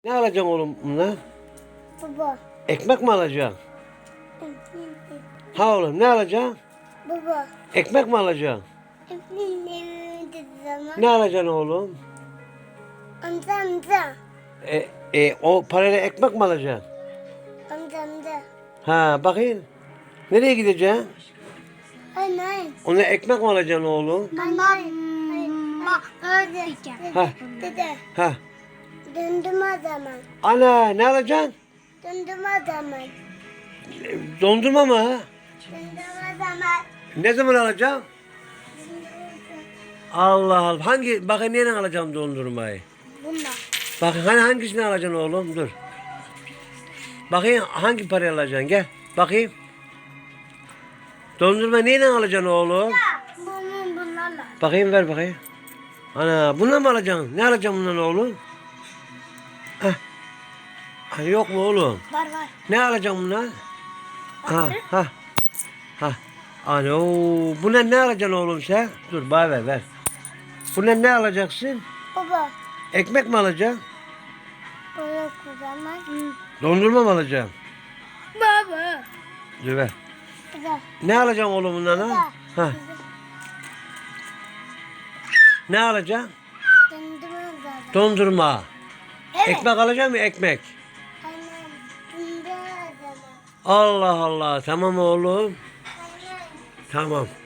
Ne alacaksın oğlum bununla? Baba. Ekmek mi alacaksın? Ha oğlum ne alacaksın? Baba. Ekmek mi alacaksın? Efendim zaman. Ne alacaksın oğlum? Amcamda. O parayla ekmek mi alacaksın? Amcamda. Ha bakayım. Nereye gideceksin? Anne. Ona ekmek mi alacaksın oğlum? Mama. Öğreteceğim. Ha. Dede. Ha. Döndüm o zaman. Ana ne alacaksın? Döndüm o zaman. Dondurma mı? Döndüm o zaman. Ne zaman alacaksın? Allah Allah. Bakayım neyle alacağım dondurmayı? Bununla. Bakın hangisini alacaksın oğlum? Dur. Bakayım hangi parayı alacaksın? Gel. Bakayım. Dondurma neyle alacaksın oğlum? Bunlarla. Bakayım ver bakayım. Ana bununla mı alacaksın? Ne alacaksın bundan oğlum? Heh. Ha, yok mu oğlum? Var var. Ne alacaksın bundan? Ha ha. Ha. Ano, bundan ne alacaksın oğlum sen? Dur bana ver. Bundan ne alacaksın? Baba. Ekmek mi alacaksın? Böyle kullanmaz. Dondurma mı alacaksın? Baba. Dur ver. Güzel. Ne alacaksın oğlum bundan ha? Ha. Ne alacaksın? Döndüm o zaman. Dondurma. Evet. Ekmek alacak mı ekmek? Annem. Döndüm o zaman. Allah Allah. Tamam oğlum. Annem. Tamam.